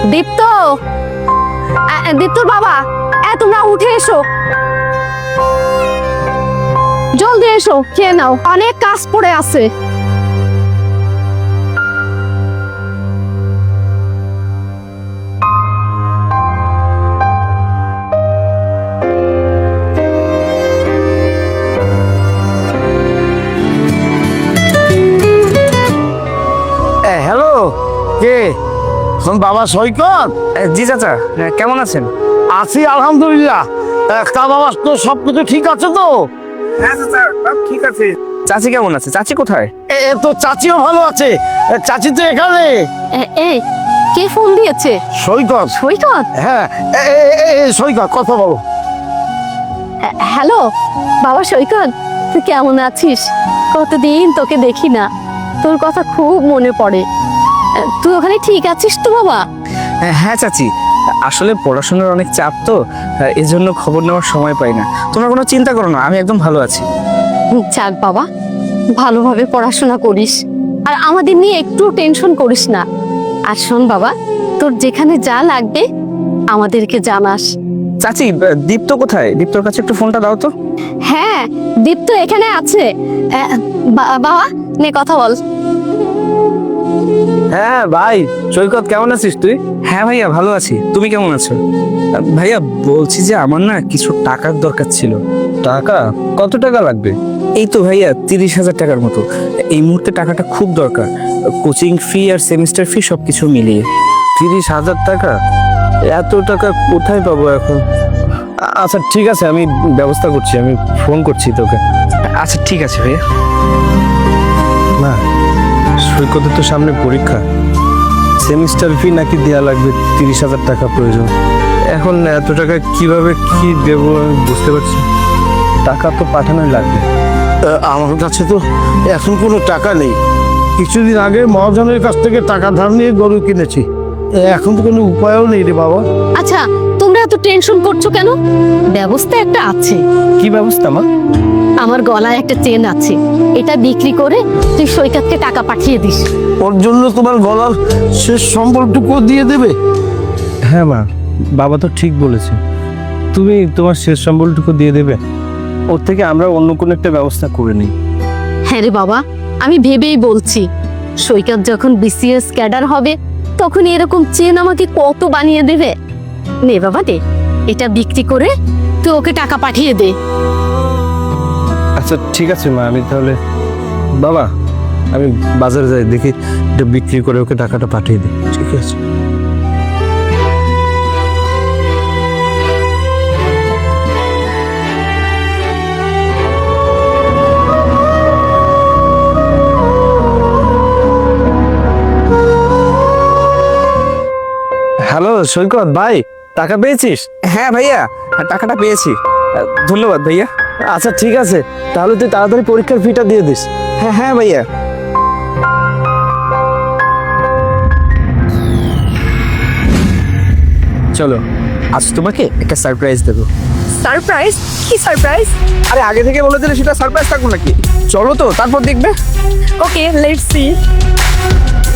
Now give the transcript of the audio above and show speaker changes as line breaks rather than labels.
দীপ্ত, দীপ্তর বাবা, তোমরা উঠে এসো, জলদি এসো, খেয়ে নাও, অনেক কাজ পড়ে আছে।
হ্যালো, কে? বাবা সৈকত?
জি চাচা, কেমন আছেন?
আছি আলহামদুলিল্লাহ। তা বাবা, তো সবকিছু ঠিক আছে তো?
হ্যাঁ চাচা, সব ঠিক আছে। চাচি কেমন আছে? চাচি কোথায়?
তো চাচিও ভালো আছে। চাচি তো এখানে।
এই কে ফোন দিয়েছে?
সৈকত।
সৈকত?
হ্যাঁ, সৈকত, কথা বলো।
হ্যালো বাবা সৈকত, তুই কেমন আছিস? কতদিন তোকে দেখি না, তোর কথা খুব মনে পড়ে। তুই ওখানে ঠিক আছিস তো বাবা?
হ্যাঁ চাচি, আসলে পড়াশোনার অনেক চাপ তো, এজন্য খবর নেওয়ার সময় পাই না। তোমরা কোনো চিন্তা করো না, আমি একদম ভালো আছি।
যাক বাবা, ভালোভাবে পড়াশোনা করিস, আর আমাদের নিয়ে একটু টেনশন করিস না। আর শোন বাবা, তোর যেখানে যা লাগবে আমাদেরকে জানাস।
চাচি, দীপ্ত কোথায়? দীপ্তর কাছে একটু ফোনটা দাও তো।
হ্যাঁ, দীপ্ত এখানে আছে। বাবা নে কথা বল।
হ্যাঁ ভাই সৈকত, কেমন আছিস তুই? হ্যাঁ ভাইয়া, ভালো আছি। তুমি কেমন আছো? ভাইয়া বলছি যে আমার না কিছু টাকার দরকার ছিল। টাকা? কত টাকা লাগবে? এই তো ভাইয়া 30,000 টাকার মতো। এই মুহূর্তে টাকাটা খুব দরকার, কোচিং ফি আর সেমিস্টার ফি সবকিছু মিলিয়ে।
30,000 টাকা? এত টাকা কোথায় পাবো এখন? আচ্ছা ঠিক আছে, আমি ব্যবস্থা করছি, আমি ফোন করছি তোকে।
আচ্ছা ঠিক আছে ভাইয়া।
না, সৈকতের তো সামনে পরীক্ষা, সেমিস্টার ফি নাকি দেওয়া লাগবে, 30,000 টাকা প্রয়োজন। এখন এত টাকা কিভাবে কি দেবো আমি বুঝতে পারছি। টাকা তো পাঠানোই লাগবে। আমার কাছে তো এখন কোনো টাকা নেই। কিছুদিন আগে মহাজনের কাছ থেকে টাকা ধার নিয়ে গরু কিনেছি, এখন তো কোনো উপায়ও নেই রে বাবা।
আচ্ছা, তোমরা এত টেনশন করছো কেন? ব্যবস্থা একটা আছে।
কি ব্যবস্থা মা?
আমার গলায় একটা চেন আছে, এটা বিক্রি করে তুই সৈকতকে টাকা পাঠিয়ে দিস।
ওর জন্য তোমার গলার শেষ সম্বলটুকু দিয়ে দেবে? হ্যাঁ মা, বাবা তো ঠিক বলেছে, তুমি তোমার শেষ সম্বলটুকু দিয়ে দেবে। ওর থেকে আমরা অন্য কোনো একটা ব্যবস্থা করে নিই।
হ্যাঁ রে বাবা, আমি ভেবেই বলছি, সৈকত যখন বিসিএস ক্যাডার হবে তখন এরকম চেন আমাকে কত বানিয়ে দেবে। নে বাবা দে, এটা বিক্রি করে তুই ওকে টাকা পাঠিয়ে দে।
আচ্ছা ঠিক আছে মা, আমি তাহলে বাবা আমি বাজারে যাই, দেখি এটা বিক্রি করে ওকে টাকাটা পাঠিয়ে দিই। ঠিক আছে। হ্যালো সৈকত ভাই, টাকা পেয়েছিস?
হ্যাঁ ভাইয়া, টাকাটা পেয়েছি। ধন্যবাদ ভাইয়া।
আচ্ছা ঠিক আছে, তাহলে তুই তাড়াতাড়ি পরীক্ষার ফিটা দিয়ে দিস।
হ্যাঁ হ্যাঁ ভাইয়া। চলো, আজ তোমাকে একটা সারপ্রাইজ দেবো।
সারপ্রাইজ? কি সারপ্রাইজ?
আরে আগে থেকে বলে দিলে সেটা সারপ্রাইজ থাকবো নাকি? চলো তো, তারপর দেখবে।
Okay, let's C.